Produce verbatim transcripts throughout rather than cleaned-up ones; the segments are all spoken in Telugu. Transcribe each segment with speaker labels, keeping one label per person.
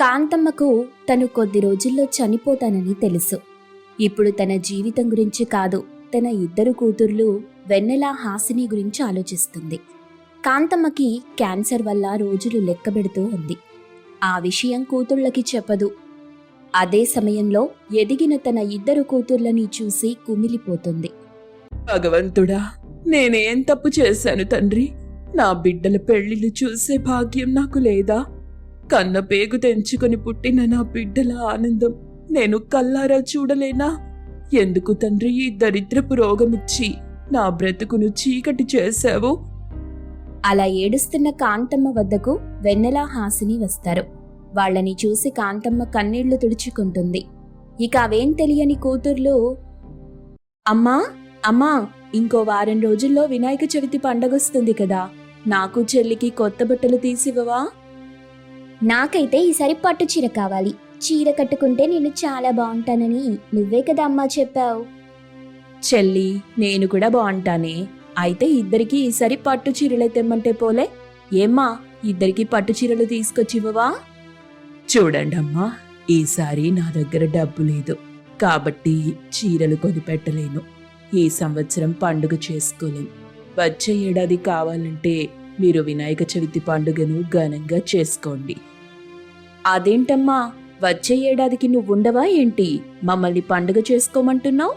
Speaker 1: కాంతమ్మకు తను కొద్ది రోజుల్లో చనిపోతానని తెలుసు. ఇప్పుడు తన జీవితం గురించి కాదు, తన ఇద్దరు కూతుర్లు వెన్నెల, హాసిని గురించి ఆలోచిస్తుంది. కాంతమ్మకి క్యాన్సర్ వల్ల రోజులు లెక్కబెడుతూ ఉంది. ఆ విషయం కూతుళ్ళకి చెప్పదు. అదే సమయంలో ఎదిగిన తన ఇద్దరు కూతుర్లని చూసి కుమిలిపోతుంది.
Speaker 2: భగవంతుడా, నేనేం తప్పు చేశాను తండ్రి? నా బిడ్డల పెళ్లిళ్ళు చూసే భాగ్యం నాకు లేదా? కన్న పేగు తెంచుకొని పుట్టిన నా బిడ్డల ఆనందం నేను కల్లారా చూడలేనా? ఎందుకు తండ్రి ఈ దరిద్రపు రోగమిచ్చి నా బ్రతుకును చీకటి చేశావు?
Speaker 1: అలా ఏడుస్తున్న కాంతమ్మ వద్దకు వెన్నెల, హాసిని వస్తారు. వాళ్ళని చూసి కాంతమ్మ కన్నీళ్లు తుడుచుకుంటుంది. ఇక అవేం తెలియని కూతుర్లు, అమ్మా అమ్మా, ఇంకో వారం రోజుల్లో వినాయక చవితి పండగొస్తుంది కదా, నాకు చెల్లికి కొత్త బట్టలు తీసివ్వవా? నాకైతే ఈసారి పట్టు చీర కావాలి. చీర కట్టుకుంటే నేను చాలా బాగుంటానని నువ్వే కదా అమ్మా చెప్పావు.
Speaker 2: చెల్లి, నేను కూడా బాగుంటానే. అయితే ఇద్దరికి ఈసారి పట్టు చీరలే తెమ్మంటే పోలే? ఏమ్మా, ఇద్దరికి పట్టు చీరలు తీసుకొచ్చివ్వవా? చూడండమ్మా, ఈసారి నా దగ్గర డబ్బు లేదు కాబట్టి చీరలు కొనిపెట్టలేను. ఈ సంవత్సరం పండుగ చేసుకోలేం. వచ్చే ఏడాది కావాలంటే మీరు వినాయక చవితి పండుగను ఘనంగా చేసుకోండి.
Speaker 1: అదేంటమ్మా, వచ్చే ఏడాదికి నువ్వుండవా ఏంటి? మమ్మల్ని పండుగ చేసుకోమంటున్నావు?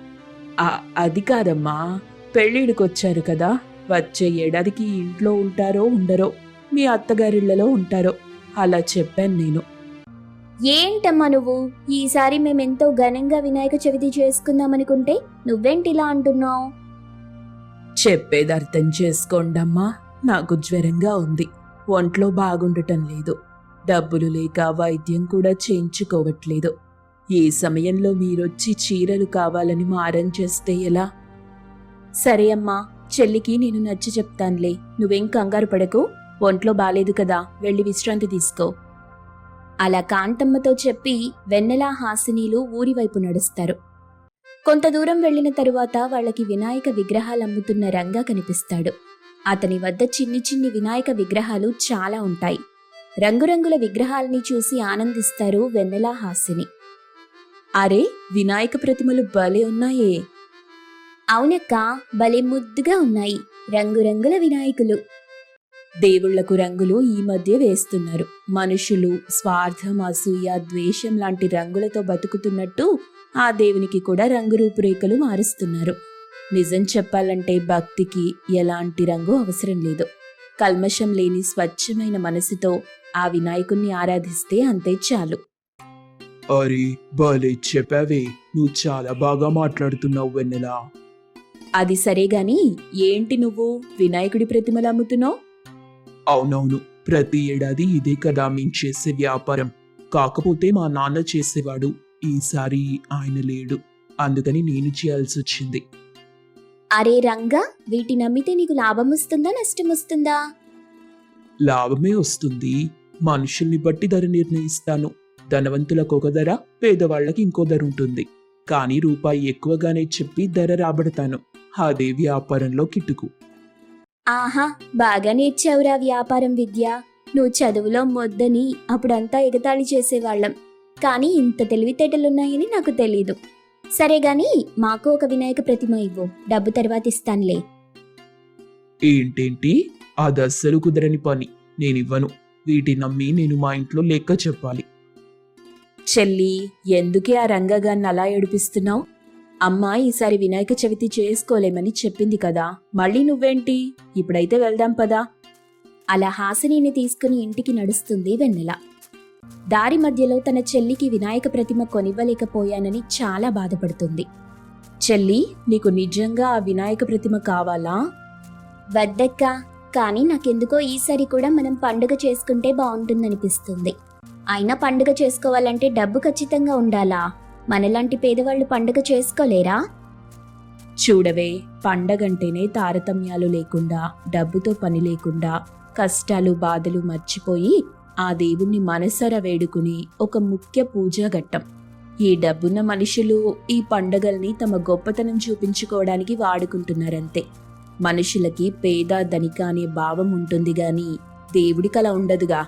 Speaker 2: అది కాదమ్మా, పెళ్ళిడికొచ్చారు కదా, వచ్చే ఏడాదికి ఇంట్లో ఉంటారో ఉండరో, మీ అత్తగారిళ్లలో ఉంటారో, అలా చెప్పాను నేను.
Speaker 1: ఏంటమ్మా నువ్వు, ఈసారి మేమెంతో ఘనంగా వినాయక చవితి చేసుకుందామనుకుంటే నువ్వేంటిలా అంటున్నావు?
Speaker 2: చెప్పేది అర్థం చేసుకోండమ్మా, నాకు జ్వరంగా ఉంది, ఒంట్లో బాగుండటం లేదు, డబ్బులు లేక వైద్యం కూడా చేయించుకోవట్లేదు. ఈ సమయంలో మీరొచ్చి చీరలు కావాలని మారం చేస్తే ఎలా?
Speaker 1: సరే అమ్మా, చెల్లికి నేను నచ్చి చెప్తానులే, నువ్వేం కంగారు పడకు. ఒంట్లో బాలేదు కదా, వెళ్ళి విశ్రాంతి తీసుకో. అలా కాంతమ్మతో చెప్పి వెన్నెల, హాసినీలు ఊరివైపు నడుస్తారు. కొంత దూరం వెళ్లిన తరువాత వాళ్ళకి వినాయక విగ్రహాలు అమ్ముతున్న రంగా కనిపిస్తాడు. అతని వద్ద చిన్ని చిన్ని వినాయక విగ్రహాలు చాలా ఉంటాయి. రంగురంగుల విగ్రహాలని చూసి ఆనందిస్తారు వెన్నెల, హాసిని.
Speaker 2: అరే, వినాయక ప్రతిమలు భలే ఉన్నాయే.
Speaker 1: అవునక్క, భలే ముద్దుగా ఉన్నాయి, రంగురంగుల వినాయకులు.
Speaker 2: దేవుళ్లకు రంగులు ఈ మధ్య వేస్తున్నారు. మనుషులు స్వార్థం, అసూయ, ద్వేషం లాంటి రంగులతో బతుకుతున్నట్టు ఆ దేవునికి కూడా రంగు రూపురేఖలు మారుస్తున్నారు. నిజం చెప్పాలంటే భక్తికి ఎలాంటి రంగు అవసరం లేదు. కల్మషం లేని స్వచ్ఛమైన మనసుతో ఆ వినాయకుణ్ణి ఆరాధిస్తే అంతే చాలు.
Speaker 3: అరే భలే చెప్పావే, నువ్వు చాలా బాగా మాట్లాడుతున్నావు వెన్నెలా.
Speaker 2: అది సరే గాని, ఏంటి నువ్వు వినాయకుడి ప్రతిమలు అమ్ముతున్నావు?
Speaker 3: అవునవును, ప్రతి ఏడాది ఇదే కదా మేము చేసే వ్యాపారం. కాకపోతే మా నాన్న చేసేవాడు, ఈసారి ఆయన లేడు, అందుకని నేను చేయాల్సి వచ్చింది.
Speaker 1: అరే రంగా, వీటిని అమ్మితే నీకు లాభం వస్తుందా నష్టం వస్తుందా?
Speaker 3: లాభమే వస్తుంది. మనుషుల్ని బట్టి ధర నిర్ణయిస్తాను. ధనవంతులకు ఒక ధర, పేదవాళ్లకి ఇంకో ధర ఉంటుంది. కానీ రూపాయి ఎక్కువగానే చెప్పి ధర రాబడతాను. అదే వ్యాపారంలో కిటుకు.
Speaker 1: ఆహా, బాగా నేర్చావురా వ్యాపారం విద్య. నువ్వు చదువులో మొద్దని అప్పుడంతా ఎగతాళి చేసేవాళ్ళం, కానీ ఇంత తెలివితేటలున్నాయని నాకు తెలీదు. సరే గాని మాకు ఒక వినాయక ప్రతిమ ఇవ్వు, డబ్బు తర్వాత ఇస్తానులే.
Speaker 3: ఏంటేంటి, అది అస్సలు కుదరని పని. నేనివ్వను. వీటి నమ్మి నేను మా ఇంట్లో లెక్క చెప్పాలి.
Speaker 2: చెల్లి, ఎందుకే ఆ రంగగాన్ని అలా ఏడిపిస్తున్నావు? అమ్మ ఈసారి వినాయక చవితి చేసుకోలేమని చెప్పింది కదా, మళ్ళీ నువ్వేంటి? ఇప్పుడైతే వెళ్దాం పదా.
Speaker 1: అలా హాసినిని తీసుకుని ఇంటికి నడుస్తుంది వెన్నెల. దారి మధ్యలో తన చెల్లికి వినాయక ప్రతిమ కొనివ్వలేకపోయానని చాలా బాధపడుతుంది.
Speaker 2: చెల్లి, నీకు నిజంగా ఆ వినాయక ప్రతిమ కావాలా?
Speaker 1: వద్దక్క, కానీ నాకెందుకో ఈసారి కూడా మనం పండుగ చేసుకుంటే బాగుంటుందనిపిస్తుంది. అయినా పండుగ చేసుకోవాలంటే డబ్బు ఖచ్చితంగా ఉండాలా? మనలాంటి పేదవాళ్లు పండుగ చేసుకోలేరా?
Speaker 2: చూడవే, పండగంటేనే తారతమ్యాలు లేకుండా, డబ్బుతో పని లేకుండా, కష్టాలు బాధలు మర్చిపోయి ఆ దేవుణ్ణి మనసారా వేడుకుని ఒక ముఖ్య పూజా ఘట్టం. ఈ డబ్బున్న మనుషులు ఈ పండగల్ని తమ గొప్పతనం చూపించుకోవడానికి వాడుకుంటున్నారంతే. మనుషులకి పేద ధనిక అనే భావం ఉంటుంది గాని దేవుడికి అలా ఉండదుగా.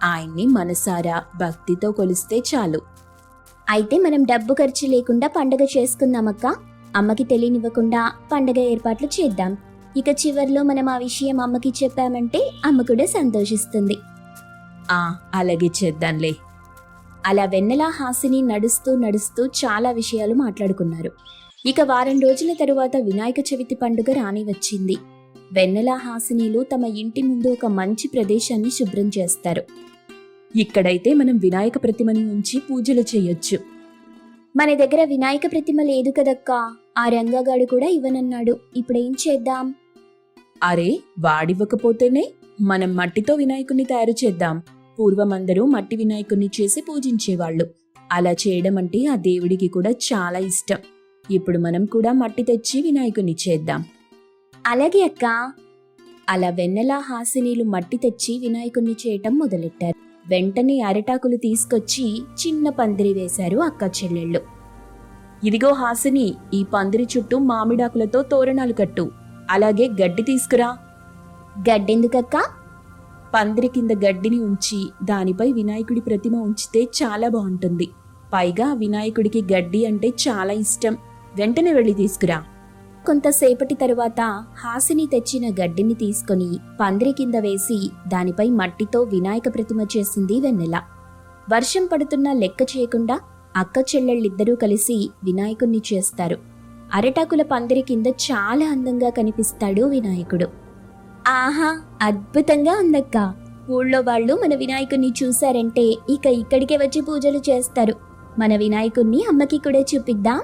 Speaker 1: ఆయన్ని మనసారా భక్తితో కొలిస్తే చాలు. అయితే మనం డబ్బు ఖర్చు లేకుండా పండగ చేసుకుందామక్క. అమ్మకి తెలియనివ్వకుండా పండగ ఏర్పాట్లు చేద్దాం. ఇక చివర్లో మనం ఆ విషయం అమ్మకి చెప్పామంటే అమ్మ కూడా సంతోషిస్తుంది.
Speaker 2: ఆ అలాగే చేద్దాంలే.
Speaker 1: అలా వెన్నెల హాసిని నడుస్తూ నడుస్తూ చాలా విషయాలు మాట్లాడుకున్నారు. ఇక వారం రోజుల తరువాత వినాయక చవితి పండుగ రాని వచ్చింది. వెన్నెల హాసినీలు తమ ఇంటి ముందు ఒక మంచి ప్రదేశాన్ని శుభ్రం చేస్తారు.
Speaker 2: ఇక్కడైతే మనం వినాయక ప్రతిమని ఉంచి పూజలు చేయొచ్చు.
Speaker 1: మన దగ్గర వినాయక ప్రతిమ లేదు కదక్కా. ఆ రంగగాడు కూడా ఇవ్వనన్నాడు. ఇప్పుడేం చేద్దాం?
Speaker 2: అరే వాడివ్వకపోతేనే మనం మట్టితో వినాయకుణ్ణి తయారు చేద్దాం. పూర్వమందరూ మట్టి వినాయకుణ్ణి చేసి పూజించేవాళ్ళు. అలా చేయడం అంటే ఆ దేవుడికి కూడా చాలా ఇష్టం. ఇప్పుడు మనం కూడా మట్టి తెచ్చి వినాయకుణ్ణి చేద్దాం.
Speaker 1: అలాగే అక్క. అలా వెన్నెల హాసినీలు మట్టి తెచ్చి వినాయకుణ్ణి చేయటం మొదలెట్టారు. వెంటనే అరిటాకులు తీసుకొచ్చి చిన్న పందిరి వేశారు అక్క చెల్లెళ్ళు.
Speaker 2: ఇదిగో హాసిని, ఈ పందిరి చుట్టూ మామిడాకులతో తోరణాలు కట్టు. అలాగే గడ్డి తీసుకురా.
Speaker 1: గడ్డెందుకక్క?
Speaker 2: పందిరి కింద గడ్డిని ఉంచి దానిపై వినాయకుడి ప్రతిమ ఉంచితే చాలా బాగుంటుంది. పైగా వినాయకుడికి గడ్డి అంటే చాలా ఇష్టం. వెంటనే వెళ్ళి తీసుకురా.
Speaker 1: కొంతసేపటి తరువాత హాసిని తెచ్చిన గడ్డిని తీసుకుని పందిరి కింద వేసి దానిపై మట్టితో వినాయక ప్రతిమ చేసింది వెన్నెల. వర్షం పడుతున్నా లెక్క చేయకుండా అక్క చెల్లెళ్ళిద్దరూ కలిసి వినాయకుణ్ణి చేస్తారు. అరటాకుల పందిరి కింద చాలా అందంగా కనిపిస్తాడు వినాయకుడు. ఆహా, అద్భుతంగా ఉందక్క. ఊళ్ళో వాళ్ళు మన వినాయకుణ్ణి చూశారంటే ఇక ఇక్కడికే వచ్చి పూజలు చేస్తారు. మన వినాయకుణ్ణి అమ్మకి కూడా చూపిద్దాం.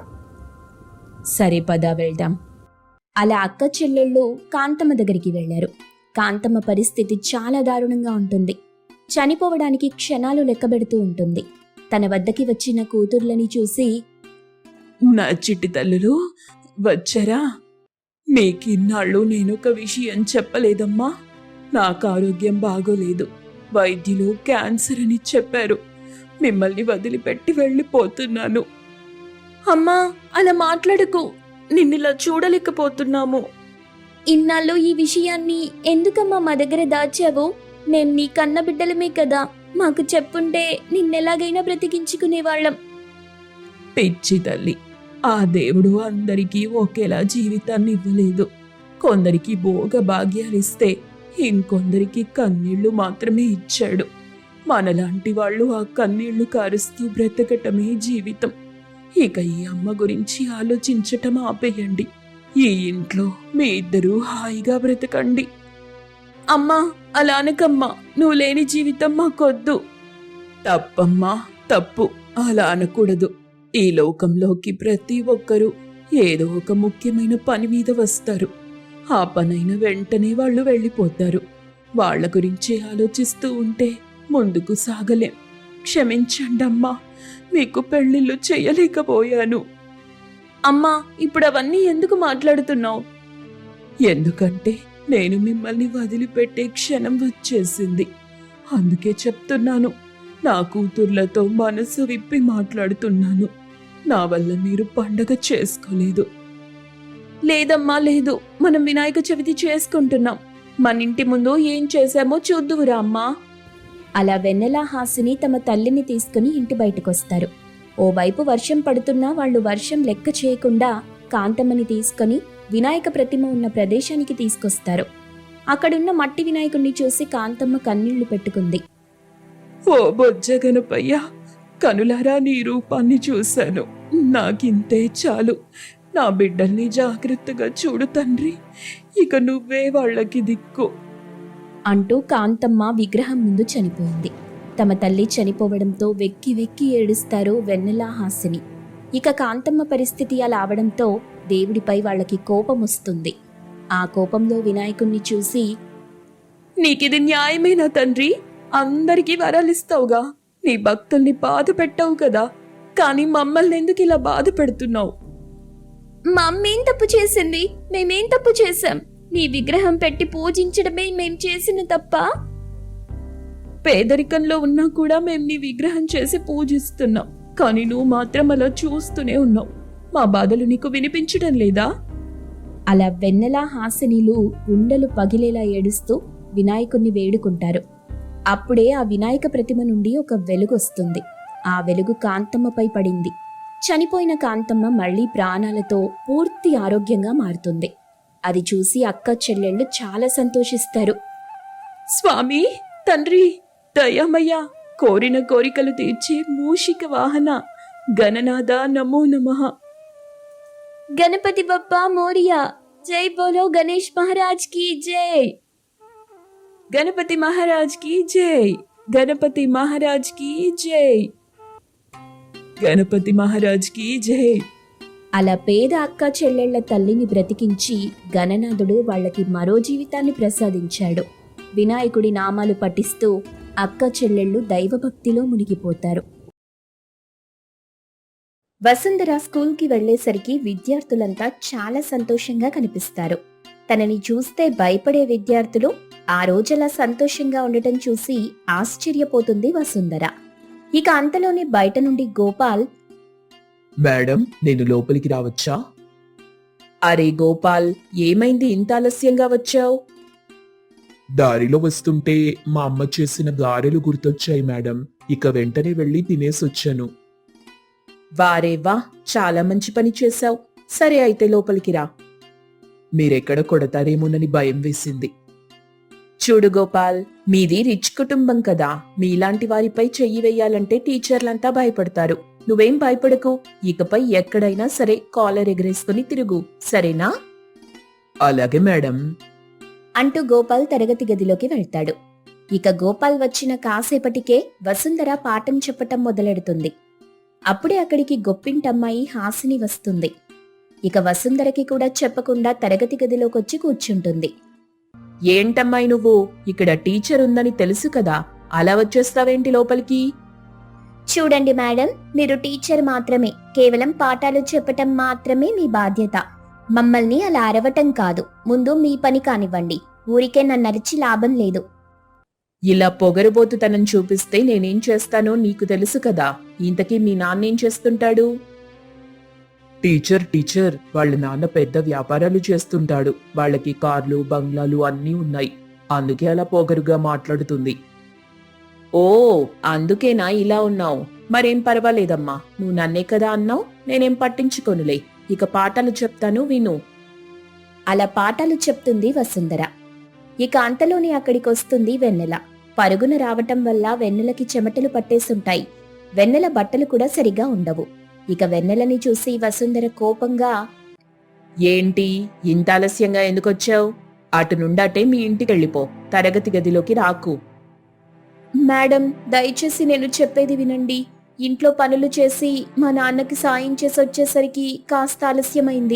Speaker 2: సరే పద వెళ్దాం.
Speaker 1: అలా అక్క చెల్లెళ్ళు కాంతమ్మ దగ్గరికి వెళ్లారు. కాంతమ్మ పరిస్థితి చాలా దారుణంగా ఉంటుంది. చనిపోవడానికి క్షణాలు లెక్కబెడుతూ ఉంటుంది. తన వద్దకి వచ్చిన కూతుర్లని చూసి,
Speaker 3: నా చిట్టి తల్లులు వచ్చారా? మీకిన్నాళ్ళు నేనొక విషయం చెప్పలేదమ్మా. నాకు ఆరోగ్యం బాగోలేదు. వైద్యులు క్యాన్సర్ అని చెప్పారు. మిమ్మల్ని వదిలిపెట్టి వెళ్ళిపోతున్నాను.
Speaker 2: అమ్మా అలా మాట్లాడకు. నిన్నిలా చూడలేకపోతున్నాము.
Speaker 1: ఇన్నాళ్ళు ఈ విషయాన్ని ఎందుకమ్మా మా దగ్గర దాచావు? నేను నీ కన్న బిడ్డలమే కదా. మాకు చెప్పుంటే నిన్నెలాగైనా బ్రతికించుకునేవాళ్ళం.
Speaker 3: పిచ్చి తల్లి, ఆ దేవుడు అందరికీ ఒకేలా జీవితాన్ని ఇవ్వలేదు. కొందరికి భోగ భాగ్యాలిస్తే ఇంకొందరికి కన్నీళ్లు మాత్రమే ఇచ్చాడు. మనలాంటి వాళ్ళు ఆ కన్నీళ్లు కారుస్తూ బ్రతకటమే జీవితం. ఇక ఈ అమ్మ గురించి ఆలోచించటం ఆపేయండి. ఈ ఇంట్లో మీ ఇద్దరూ హాయిగా బ్రతకండి.
Speaker 2: అమ్మా అలా అనకమ్మా. నువ్వు లేని జీవితం మాకొద్దు.
Speaker 3: తప్పమ్మా, తప్పు. అలా అనకూడదు. ఈ లోకంలోకి ప్రతి ఒక్కరూ ఏదో ఒక ముఖ్యమైన పని మీద వస్తారు. ఆ పనైన వెంటనే వాళ్ళు వెళ్ళిపోతారు. వాళ్ళ గురించి ఆలోచిస్తూ ఉంటే ముందుకు సాగలేం. క్షమించండమ్మా, మీకు పెళ్లిళ్ళు చేయలేకపోయాను.
Speaker 2: అమ్మా ఇప్పుడు అవన్నీ ఎందుకు మాట్లాడుతున్నావు?
Speaker 3: ఎందుకంటే నేను మిమ్మల్ని వదిలిపెట్టే క్షణం వచ్చేసింది. అందుకే చెప్తున్నాను. నా కూతుర్లతో మనసు విప్పి మాట్లాడుతున్నాను. నా వల్ల మీరు పండగ చేసుకోలేదు.
Speaker 2: లేదమ్మా లేదు. మనం వినాయక చవితి చేసుకుంటున్నాం. మన ఇంటి ముందు ఏం చేశామో చూద్దువురా అమ్మా.
Speaker 1: అలా వెన్నెల హాసిని తమ తల్లిని తీసుకుని ఇంటి బయటకొస్తారు. ఓవైపు వర్షం పడుతున్నా వాళ్ళు వర్షం లెక్క చేయకుండా కాంతమ్మని తీసుకుని వినాయక ప్రతిమ ఉన్న ప్రదేశానికి తీసుకొస్తారు. అక్కడున్న మట్టి వినాయకుణ్ణి చూసి కాంతమ్మ కన్నీళ్లు పెట్టుకుంది.
Speaker 3: ఓ బొజ్జ గణపయ్య, కనులారా నీ రూపాన్ని చూశాను. నాకింతే చాలు. నా బిడ్డల్ని జాగ్రత్తగా చూడు తండ్రి. ఇక నువ్వే వాళ్ళకి దిక్కు
Speaker 1: అంటూ కాంతమ్మ విగ్రహం ముందు చనిపోయింది. తమ తల్లి చనిపోవడంతో వెక్కి వెక్కి ఏడుస్తారు వెన్నెల హాసిని. ఇక కాంతమ్మ పరిస్థితి అలా అవడంతో దేవుడిపై వాళ్ళకి కోపం వస్తుంది. ఆ కోపంలో వినాయకుణ్ణి చూసి,
Speaker 2: నీకిది న్యాయమేనా తండ్రి? అందరికీ వరాలిస్తావుగా. నీ భక్తుల్ని బాధ పెట్టావు కదా. కానీ మమ్మల్ని ఎందుకు ఇలా బాధ పెడుతున్నావు?
Speaker 1: మా అమ్మేం తప్పు చేసింది? మేమేం తప్పు చేశాం? నీ విగ్రహం పెట్టి పూజించడమే మేం చేసిన తప్ప?
Speaker 2: పేదరికంలో ఉన్నా కూడా మేం నీ విగ్రహం చేసి పూజిస్తున్నాం. కానీ నువ్వు మాత్రం అలా చూస్తూనే ఉన్నావు. మా బాధలు నీకు వినిపించడం లేదా?
Speaker 1: అలా వెన్నెల హాసినీలు గుండెలు పగిలేలా ఏడుస్తూ వినాయకుణ్ణి వేడుకుంటారు. అప్పుడే ఆ వినాయక ప్రతిమ నుండి ఒక వెలుగొస్తుంది. ఆ వెలుగు కాంతమ్మపై పడింది. చనిపోయిన కాంతమ్మ మళ్ళీ ప్రాణాలతో పూర్తి ఆరోగ్యంగా మారుతుంది. అది చూసి అక్క చెల్లెళ్ళు చాలా సంతోషిస్తారు.
Speaker 2: స్వామి, తండ్రి, దయామయ్య, కోరిన కోరికలు తీర్చే మూషిక వాహన గణనాథ నమో నమః.
Speaker 1: గణపతి బప్పా మోరియా, జై బోలో గణేష్ మహారాజ్ కి జై.
Speaker 2: గణపతి మహారాజ్ కి జై. గణపతి మహారాజ్ కి జై. గణపతి మహారాజ్ కి జై.
Speaker 1: అలా పేద అక్క చెల్లెళ్ల తల్లిని బ్రతికించి గణనాథుడు వాళ్ళకి మరో జీవితాన్ని ప్రసాదించాడు. వినాయకుడి నామాలు పఠిస్తూ అక్క చెల్లెళ్ళు దైవభక్తిలో మునిగిపోతారు. వసుంధర స్కూల్కి వెళ్లేసరికి విద్యార్థులంతా చాలా సంతోషంగా కనిపిస్తారు. తనని చూస్తే భయపడే విద్యార్థులు ఆ రోజలా సంతోషంగా ఉండటం చూసి ఆశ్చర్యపోతుంది వసుంధర. ఇక అంతలోనే బయట నుండి గోపాల్,
Speaker 3: మేడం, నేను లోపలికి రావచ్చా?
Speaker 2: అరే గోపాల్, ఏమైంది ఇంత ఆలస్యంగా వచ్చావు?
Speaker 3: దారిలో వస్తుంటే మా అమ్మ చేసిన గారెలు గుర్తొచ్చాయి మేడం. ఇక వెంటనే వెళ్ళి తినేసొచ్చాను.
Speaker 2: వారే వా, చాలా మంచి పని చేశావు. సరే అయితే లోపలికి రా.
Speaker 3: మీరెక్కడ కొడతారేమోనని భయం వేసింది.
Speaker 2: చూడు గోపాల్, మీది రిచ్ కుటుంబం కదా. మీలాంటి వారిపై చెయ్యి వేయాలంటే టీచర్లంతా భయపడతారు. నువ్వేం భయపడకు. ఇకపై ఎక్కడైనా సరే కాలర్ ఎగరేసుకుని తిరుగు, సరేనా?
Speaker 3: అలాగే మేడం.
Speaker 1: అంటూ గోపాల్ తరగతి గదిలోకి వెళ్తాడు. ఇక గోపాల్ వచ్చిన కాసేపటికే వసుంధర పాఠం చెప్పటం మొదలెడుతుంది. అప్పుడే అక్కడికి గొప్పింటమ్మాయి హాసిని వస్తుంది. ఇక వసుంధరకి కూడా చెప్పకుండా తరగతి గదిలోకొచ్చి కూర్చుంటుంది.
Speaker 2: ఏంటమ్మాయి నువ్వు? ఇక్కడ టీచర్ ఉందని తెలుసు కదా, అలా వచ్చేస్తావేంటి లోపలికి?
Speaker 1: చూడండి మేడం, మీరు టీచర్ మాత్రమే. కేవలం పాఠాలు చెప్పటం మాత్రమే మీ బాధ్యత. మమ్మల్ని అలా అరవటం కాదు. ముందు మీ పని కానివ్వండి. ఊరికే నన్ను అరిచి లాభం లేదు.
Speaker 2: ఇలా పొగరుబోతుతనం చూపిస్తే నేనేం చేస్తానో నీకు తెలుసు కదా. ఇంతకీ మీ నాన్నేం చేస్తుంటాడు?
Speaker 3: టీచర్ టీచర్ వాళ్ళ నాన్న పెద్ద వ్యాపారాలు చేస్తుంటాడు. వాళ్ళకి కార్లు, బంగ్లాలు అన్నీ ఉన్నాయి. అందుకే అలా పొగరుగా మాట్లాడుతుంది.
Speaker 2: ఓ, అందుకేనా ఇలా ఉన్నావు? మరేం పర్వాలేదమ్మా, నువ్వు నన్నే కదా అన్నావు. నేనేం పట్టించుకోనులే. ఇక పాఠాలు చెప్తాను, విను.
Speaker 1: అలా పాఠాలు చెప్తుంది వసుంధర. ఇక అంతలోనే అక్కడికొస్తుంది వెన్నెల. పరుగున రావటం వల్ల వెన్నెలకి చెమటలు పట్టేసుంటాయి. వెన్నెల బట్టలు కూడా సరిగా ఉండవు. ఇక వెన్నెలని చూసి వసుంధర కోపంగా,
Speaker 2: ఏంటి ఇంత ఆలస్యంగా ఎందుకొచ్చావు? అటు నుండాటే మీ ఇంటికెళ్ళిపో. తరగతి గదిలోకి రాకు.
Speaker 1: మేడం, దయచేసి నేను చెప్పేది వినండి. ఇంట్లో పనులు చేసి మా నాన్నకి సాయం చేసి వచ్చేసరికి కాస్త ఆలస్యమైంది.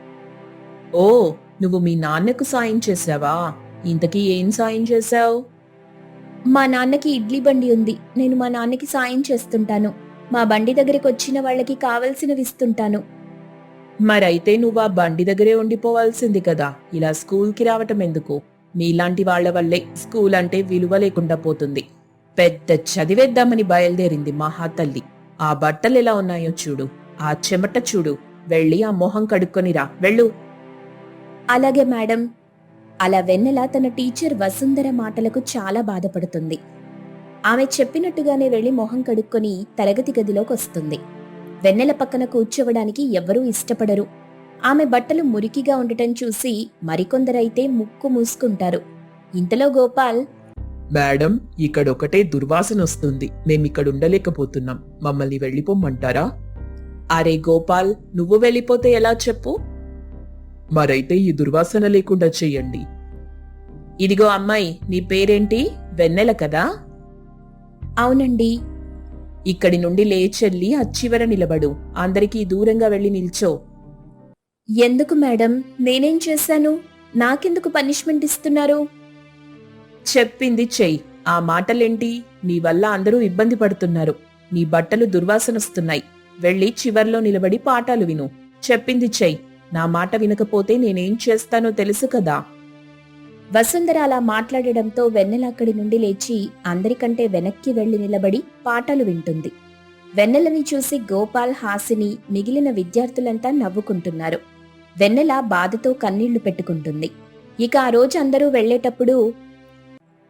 Speaker 2: ఓ, నువ్వు మీ నాన్నకు సాయం చేశావా? ఇంతకీ ఏం సాయం చేశావు?
Speaker 1: మా నాన్నకి ఇడ్లీ బండి ఉంది. నేను మా నాన్నకి సాయం చేస్తుంటాను. మా బండి దగ్గరికి వచ్చిన వాళ్ళకి కావలసినవి ఇస్తుంటాను.
Speaker 2: మరైతే నువ్వు ఆ బండి దగ్గరే ఉండిపోవాల్సింది కదా. ఇలా స్కూల్కి రావటం ఎందుకు? మీలాంటి వాళ్ల వల్లే స్కూల్ అంటే విలువ లేకుండా పోతుంది. పెద్ద చదివేద్దామని బయలుదేరింది మహాతల్లి. ఆ బట్టలు ఎలా ఉన్నాయో చూడు, ఆ చెమట చూడు. వెళ్ళి ఆ మొహం కడుక్కొనిరా, వెళ్ళు.
Speaker 1: అలాగే మేడం. అలా వెన్నెల తన టీచర్ వసుంధర మాటలకు చాలా బాధపడుతుంది. ఆమె చెప్పినట్టుగానే వెళ్లి మొహం కడుక్కొని తరగతి గదిలోకి వస్తుంది. వెన్నెల పక్కన కూర్చోవడానికి ఎవ్వరూ ఇష్టపడరు. ఆమె బట్టలు మురికిగా ఉండటం చూసి మరికొందరైతే ముక్కు మూసుకుంటారు. ఇంతలో గోపాల్,
Speaker 3: మేడం, ఇక్కడొకటే దుర్వాసన వస్తుంది. మేమిక్కడ ఉండలేకపోతున్నాం. మమ్మల్ని వెళ్ళిపోమ్మంటారా?
Speaker 2: అరే గోపాల్, నువ్వు వెళ్ళిపోతే ఎలా చెప్పు?
Speaker 3: మరైతే ఈ దుర్వాసన లేకుండా చెయ్యండి.
Speaker 2: ఇదిగో అమ్మాయి, నీ పేరేంటి? వెన్నెల కదా?
Speaker 1: అవునండి.
Speaker 2: ఇక్కడి నుండి లేచెల్లి అచ్చివర నిలబడు. అందరికీ దూరంగా వెళ్లి నిల్చో.
Speaker 1: ఎందుకు మేడం? నేనేం చేశాను? నాకెందుకు పనిష్మెంట్ ఇస్తున్నారు?
Speaker 2: చెప్పింది చెయ్యి. ఆ మాటలేంటి? నీ వల్ల అందరూ ఇబ్బంది పడుతున్నారు. నీ బట్టలు దుర్వాసనొస్తున్నాయి. వెళ్లి చివర్లో నిలబడి పాఠాలు విను. చెప్పింది చెయ్యి. నా మాట వినకపోతే నేనేం చేస్తానో తెలుసు కదా.
Speaker 1: వసుంధర అలా మాట్లాడడంతో వెన్నెల అక్కడి నుండి లేచి అందరికంటే వెనక్కి వెళ్లి నిలబడి పాఠాలు వింటుంది. వెన్నెలని చూసి గోపాల్, హాసిని, మిగిలిన విద్యార్థులంతా నవ్వుకుంటున్నారు. వెన్నెల బాధతో కన్నీళ్లు పెట్టుకుంటుంది. ఇక ఆ రోజు అందరూ వెళ్లేటప్పుడు,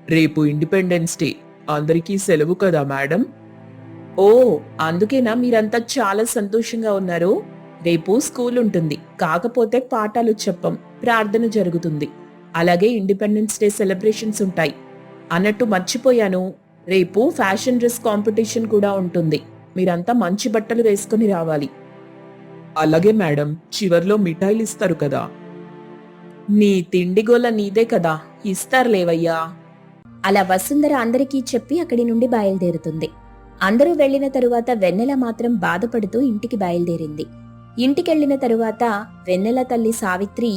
Speaker 3: రేపు ఇండిపెండెన్స్ డే, అందరికీ సెలవు కదా మేడం.
Speaker 2: ఓ, అందుకేనా మీరంతా చాలా సంతోషంగా ఉన్నారు? రేపు స్కూల్ ఉంటుంది, కాకపోతే పాఠాలు చెప్పం, ప్రార్థన జరుగుతుంది. అలాగే ఇండిపెండెన్స్ డే సెలబ్రేషన్స్ ఉంటాయి. అన్నట్టు మర్చిపోయాను, రేపు ఫ్యాషన్ డ్రెస్ కాంపిటీషన్ కూడా ఉంటుంది. మీరంతా మంచి బట్టలు వేసుకుని రావాలి.
Speaker 3: అలాగే మేడం, చివర్లో మిఠాయిలు ఇస్తారు కదా.
Speaker 2: నీ తిండిగోల నీదే కదా, ఇస్తారులేవయ్యా.
Speaker 1: అలా వసుంధర అందరికీ చెప్పి అక్కడి నుండి బయలుదేరుతుంది. అందరూ వెళ్లిన తరువాత వెన్నెల మాత్రం బాధపడుతూ ఇంటికి బయలుదేరింది. ఇంటికెళ్లిన తరువాత వెన్నెల తల్లి సావిత్రి,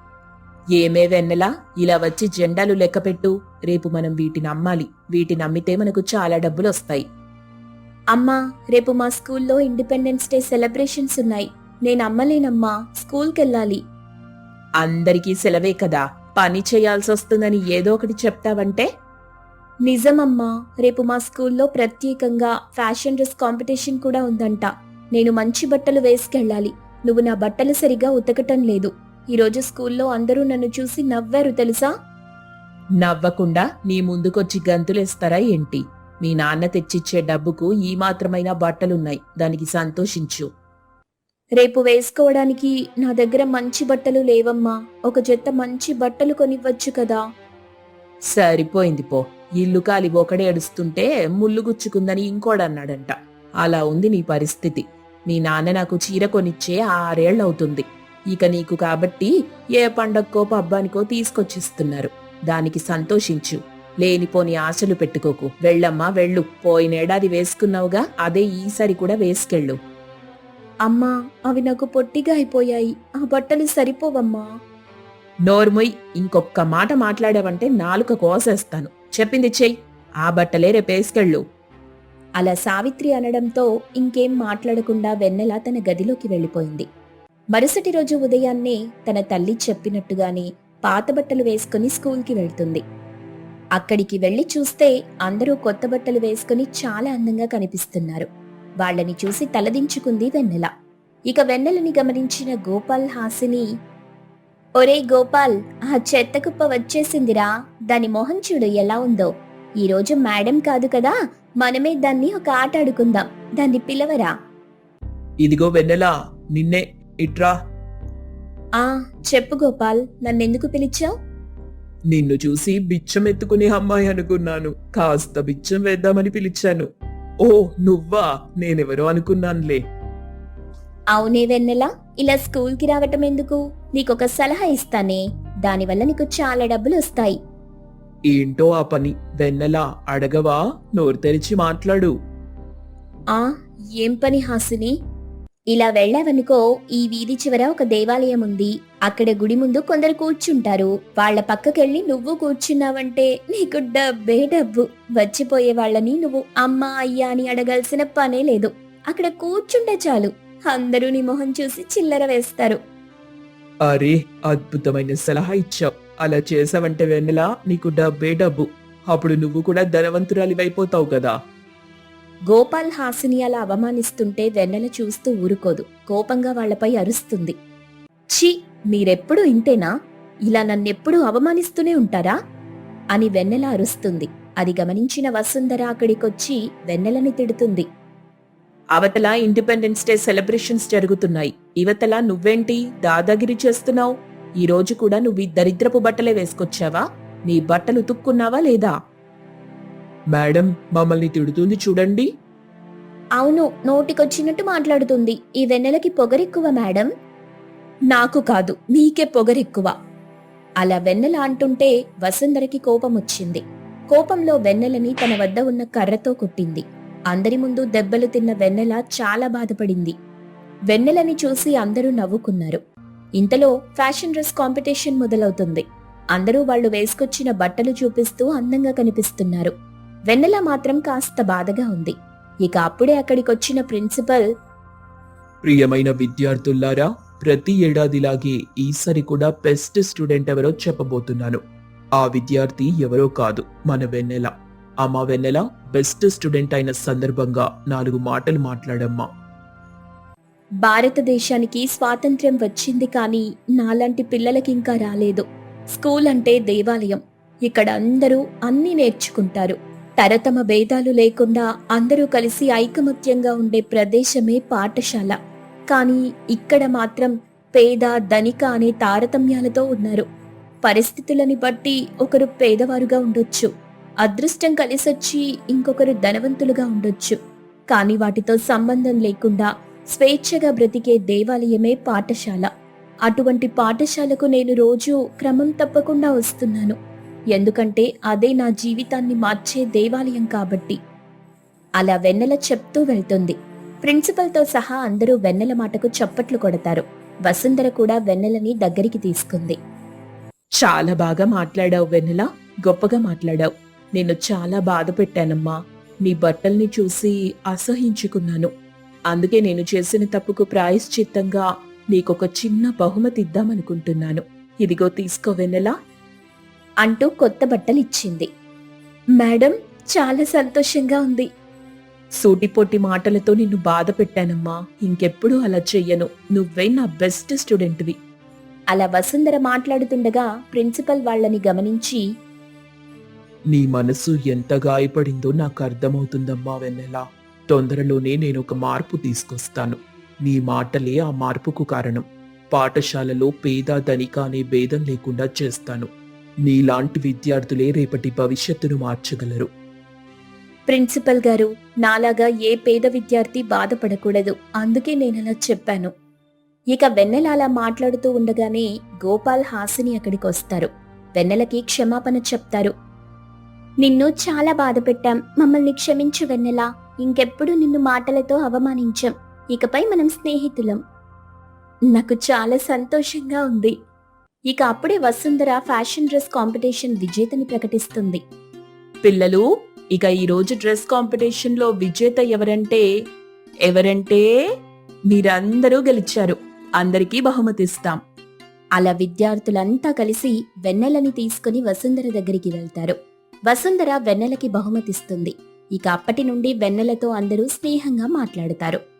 Speaker 2: ఏమే వెన్నెలా, ఇలా వచ్చి జెండాలు లెక్కపెట్టు. రేపు మనం వీటిని అమ్మాలి. వీటిని అమ్మితే మనకు చాలా డబ్బులు వస్తాయి.
Speaker 1: అమ్మా, రేపు మా స్కూల్లో ఇండిపెండెన్స్ డే సెలబ్రేషన్స్ ఉన్నాయి. నేను అమ్మలేనమ్మా, స్కూల్కెళ్ళాలి.
Speaker 2: అందరికీ సెలవే కదా, పని చేయాల్సి వస్తుందని ఏదో ఒకటి చెప్తావంటే?
Speaker 1: నిజమమ్మా, రేపు మా స్కూల్లో ప్రత్యేకంగా ఫ్యాషన్ డ్రెస్ కాంపిటీషన్ కూడా ఉందంట. నేను మంచి బట్టలు వేసుకెళ్ళాలి. నువ్వు నా బట్టలు సరిగా ఉతకటం లేదు. ఈరోజు స్కూల్లో అందరూ నన్ను చూసి నవ్వారు తెలుసా?
Speaker 2: నవ్వకుండా నీ ముందుకొచ్చి గంతులేస్తారా ఏంటి? మీ నాన్న తెచ్చిచ్చే డబ్బుకు ఈ మాత్రమైనా బట్టలున్నాయి, దానికి సంతోషించు.
Speaker 1: రేపు వేసుకోవడానికి నా దగ్గర మంచి బట్టలు లేవమ్మా. ఒక జత మంచి బట్టలు కొనివ్వచ్చు కదా.
Speaker 2: సరిపోయింది పో. ఇల్లు కాలి ఒకడే ఏడుస్తుంటే ముళ్ళు గుచ్చుకుందని ఇంకోడన్నాడంట. అలా ఉంది నీ పరిస్థితి. మీ నాన్న నాకు చీర కొనిచ్చే ఆరేళ్లవుతుంది. ఇక నీకు కాబట్టి ఏ పండక్కో పబ్బానికో తీసుకొచ్చిస్తున్నారు. దానికి సంతోషించు. లేనిపోని ఆశలు పెట్టుకోకు. వెళ్ళమ్మా వెళ్ళు. పోయినేడాది వేసుకున్నావుగా, అదే ఈసారి కూడా వేసుకెళ్ళు.
Speaker 1: అమ్మా, అవి నాకు పొట్టిగా అయిపోయాయి. ఆ బట్టలు సరిపోవమ్మా.
Speaker 2: నోర్ముయ్, ఇంకొక్క మాట మాట్లాడావంటే నాలుక కోసేస్తాను. చెప్పింది చెయ్యి. ఆ బట్టలే రేపేసుకెళ్ళు.
Speaker 1: అలా సావిత్రి అనడంతో ఇంకేం మాట్లాడకుండా వెన్నెల తన గదిలోకి వెళ్లిపోయింది. మరుసటి రోజు ఉదయాన్నే తన తల్లి చెప్పినట్టుగానే పాత బట్టలు వేసుకుని స్కూల్కి వెళ్తుంది. అక్కడికి వెళ్లి చూస్తే అందరూ కొత్త బట్టలు వేసుకుని చాలా అందంగా కనిపిస్తున్నారు. వాళ్లని చూసి తలదించుకుంది వెన్నెల. ఇక వెన్నెలని గమనించిన గోపాల్ హాసిని, ఒరే గోపాల్, ఆ చెత్త కుప్ప వచ్చేసిందిరా. దాని మొహం చూడు ఎలా ఉందో. ఈరోజు మేడం కాదు కదా, మనమే దాన్ని ఒక ఆట ఆడుకుందాం. దాన్ని పిలవరా.
Speaker 3: ఇదిగో వెన్నెలా, నిన్నే, ఇట్రా.
Speaker 1: ఆ చెప్పు గోపాల్, నన్నెందుకు పిలిచావు?
Speaker 3: నిన్ను చూసి బిచ్చం ఎత్తుకునే అమ్మాయి అనుకున్నాను. కాస్త బిచ్చం వేద్దామని పిలిచాను. ఓ నువ్వా? నేనెవరో అనుకున్నానులే.
Speaker 1: అవునే వెన్నెల, ఇలా స్కూల్కి రావటం ఎందుకు? నీకొక సలహా ఇస్తానే, దానివల్ల నీకు చాలా డబ్బులు వస్తాయి.
Speaker 3: ఏంటో ఆ పని? వెన్నెలా, అడగవా? నోరు తెరిచి మాట్లాడు.
Speaker 1: ఆ ఏం పని హాసిని? ఇలా వెళ్ళావనుకో, ఈ వీధి చివర ఒక దేవాలయం ఉంది. అక్కడ గుడి ముందు కొందరు కూర్చుంటారు. వాళ్ల పక్కకెళ్ళి నువ్వు కూర్చున్నావంటే నీకు డబ్బే డబ్బు. వచ్చిపోయే వాళ్ళని నువ్వు అమ్మా అయ్యా అని అడగాల్సిన పనే లేదు. అక్కడ కూర్చుంటే చాలు, అందరూ నీ మొహం చూసి చిల్లర వేస్తారు.
Speaker 3: అరే, అద్భుతమైన సలహా ఇచ్చావు. అలా చేసావంటే వెన్నెలా, నీకు డబ్బే డబ్బు. అప్పుడు నువ్వు కూడా ధనవంతురాలివైపోతావు కదా.
Speaker 1: గోపాల్ హాసిని అలా అవమానిస్తుంటే వెన్నెల చూస్తూ ఊరుకోదు. కోపంగా వాళ్లపై అరుస్తుంది. ఛీ, మీరెప్పుడు ఇంతేనా? ఇలా నన్నెప్పుడూ అవమానిస్తూనే ఉంటారా అని వెన్నెల అరుస్తుంది. అది గమనించిన వసుంధర అక్కడికొచ్చి వెన్నెలని తిడుతుంది.
Speaker 2: అవతల ఇండిపెండెన్స్ డే సెలబ్రేషన్స్ జరుగుతున్నాయి. ఇవతల నువ్వేంటి దాదాగిరి చేస్తున్నావు? ఈ రోజు కూడా నువ్వు ఈ దరిద్రపు బట్టలే వేసుకొచ్చావా? నీ బట్టలు ఉతుక్కున్నావా లేదా?
Speaker 3: మేడం, మమ్మల్ని తిడుతుంది చూడండి.
Speaker 1: అవును, నోటికొచ్చినట్టు మాట్లాడుతుంది. ఈ వెన్నెలకి పొగరెక్కువ మేడం.
Speaker 2: నాకు కాదు, నీకే పొగరెక్కువ.
Speaker 1: అలా వెన్నెల అంటుంటే వసుంధరకి కోపం వచ్చింది. కోపంలో వెన్నెలని తన వద్ద ఉన్న కర్రతో కొట్టింది. అందరి ముందు దెబ్బలు తిన్న వెన్నెల చాలా బాధపడింది. వెన్నెలని చూసి అందరూ నవ్వుకున్నారు. ఇంతలో ఫ్యాషన్ డ్రెస్ కాంపిటీషన్ మొదలవుతుంది. అందరూ వాళ్లు వేసుకొచ్చిన బట్టలు చూపిస్తూ అందంగా కనిపిస్తున్నారు. వెన్నెల మాత్రం కాస్త బాధగా ఉంది. ఇక అప్పుడే అక్కడికొచ్చిన ప్రిన్సిపల్,
Speaker 3: ప్రియమైన విద్యార్థులారా, ప్రతి ఏడాదిలాగే ఈసారి కూడా బెస్ట్ స్టూడెంట్ ఎవరో చెప్పబోతున్నాను. ఆ విద్యార్థి ఎవరో కాదు, మన వెన్నెల. అమ్మా వెన్నెల, బెస్ట్ స్టూడెంట్ అయిన సందర్భంగా నాలుగు మాటలు మాట్లాడమ్మా.
Speaker 1: భారతదేశానికి స్వాతంత్ర్యం వచ్చింది, కానీ నాలాంటి పిల్లలకి ఇంకా రాలేదు. స్కూల్ అంటే దేవాలయం. ఇక్కడ అందరూ అన్నీ నేర్చుకుంటారు. తరతమ భేదాలు లేకుండా అందరూ కలిసి ఐకమత్యంగా ఉండే ప్రదేశమే పాఠశాల. కానీ ఇక్కడ మాత్రం పేద ధనిక అనే తారతమ్యాలతో ఉన్నారు. పరిస్థితులని బట్టి ఒకరు పేదవారుగా ఉండొచ్చు, అదృష్టం కలిసొచ్చి ఇంకొకరు ధనవంతులుగా ఉండొచ్చు. కానీ వాటితో సంబంధం లేకుండా స్వేచ్ఛగా బ్రతికే దేవాలయమే పాఠశాల. అటువంటి పాఠశాలకు నేను రోజూ క్రమం తప్పకుండా వస్తున్నాను. ఎందుకంటే అదే నా జీవితాన్ని మార్చే దేవాలయం కాబట్టి. అలా వెన్నెల చెప్తూ వెళ్తుంది. ప్రిన్సిపల్తో సహా అందరూ వెన్నెల మాటకు చప్పట్లు కొడతారు. వసుంధర కూడా వెన్నెలని దగ్గరికి తీసుకుంది.
Speaker 2: చాలా బాగా మాట్లాడావు వెన్నెల, గొప్పగా మాట్లాడావు. నేను చాలా బాధ పెట్టానమ్మా. నీ బట్టల్ని చూసి అసహించుకున్నాను. అందుకే నేను చేసిన తప్పుకు ప్రాయశ్చిత్తంగా నీకొక చిన్న బహుమతి ఇద్దామనుకుంటున్నాను. ఇదిగో తీసుకో వెన్నెలా
Speaker 1: అంటూ కొత్త బట్టలిచ్చింది. మేడం, చాలా సంతోషంగా ఉంది.
Speaker 2: సూటిపోటి మాటలతో నిన్ను బాధ పెట్టానమ్మా. ఇంకెప్పుడు అలా చెయ్యను. నువ్వే నా బెస్ట్ స్టూడెంట్వి.
Speaker 1: అలా వసుంధర మాట్లాడుతుండగా ప్రిన్సిపల్ వాళ్ళని గమనించి,
Speaker 3: నీ మనసు ఎంత గాయపడిందో నాకు అర్థమవుతుందమ్మా వెన్నెల. తొందరలోనే నేను ఒక మార్పు తీసుకొస్తాను. నీ మాటలే ఆ మార్పుకు కారణం. పాఠశాలలో పేద ధనిక అనే భేదం లేకుండా చేస్తాను. నీలాంటి విద్యార్థులే రేపటి భవిష్యత్తును మార్చగలరు.
Speaker 1: ప్రిన్సిపల్ గారు, నాలాగా ఏ పేద విద్యార్థి బాధపడకూడదు. అందుకే నేనలా చెప్పాను. ఇక వెన్నెల అలా మాట్లాడుతూ ఉండగానే గోపాల్, హాసిని అక్కడికి వస్తారు. వెన్నెలకి క్షమాపణ చెప్తారు. నిన్ను చాలా బాధ పెట్టాం, మమ్మల్ని క్షమించు వెన్నెల. ఇంకెప్పుడు నిన్ను మాటలతో అవమానించాం. ఇకపై మనం స్నేహితులం. నాకు చాలా సంతోషంగా ఉంది. ఇక అప్పుడే వసుంధర ఫ్యాషన్ డ్రెస్ కాంపిటీషన్ విజేతని ప్రకటిస్తుంది.
Speaker 2: పిల్లలు, ఇక ఈ రోజు డ్రెస్ కాంపిటీషన్ లో విజేత ఎవరంటే ఎవరంటే మీరందరూ గెలిచారు. అందరికీ బహుమతిస్తాం.
Speaker 1: అలా విద్యార్థులంతా కలిసి వెన్నెలని తీసుకుని వసుంధర దగ్గరికి వెళ్తారు. వసుంధర వెన్నెలకి బహుమతిస్తుంది. ఇక అప్పటి నుండి వెన్నెలతో అందరూ స్నేహంగా మాట్లాడుతారు.